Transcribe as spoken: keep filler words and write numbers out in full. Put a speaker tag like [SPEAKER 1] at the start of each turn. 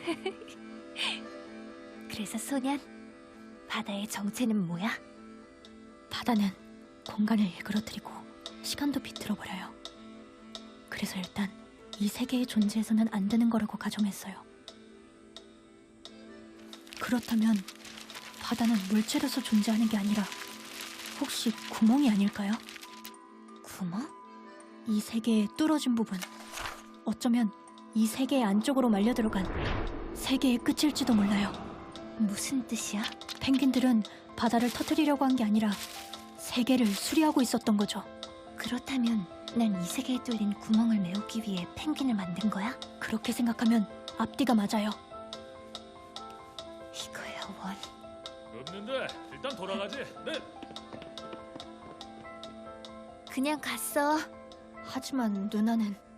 [SPEAKER 1] 그래서 소년, 바다의 정체는 뭐야?
[SPEAKER 2] 바다는 공간을 일그러뜨리고 시간도 비틀어버려요. 그래서 일단 이 세계의 존재에서는 안 되는 거라고 가정했어요. 그렇다면 바다는 물체로서 존재하는 게 아니라 혹시 구멍이 아닐까요?
[SPEAKER 1] 구멍?
[SPEAKER 2] 이 세계의 뚫어진 부분, 어쩌면 이 세계의 안쪽으로 말려 들어간 세계의 끝일지도 몰라요.
[SPEAKER 1] 무슨 뜻이야?
[SPEAKER 2] 펭귄들은 바다를 터뜨리려고 한 게 아니라 세계를 수리하고 있었던 거죠.
[SPEAKER 1] 그렇다면 난 이 세계에 뚫린 구멍을 메우기 위해 펭귄을 만든 거야?
[SPEAKER 2] 그렇게 생각하면 앞뒤가 맞아요.
[SPEAKER 1] 이거야, 원.
[SPEAKER 3] 없는데 일단 돌아가지. 네.
[SPEAKER 1] 그냥 갔어.
[SPEAKER 2] 하지만 누나는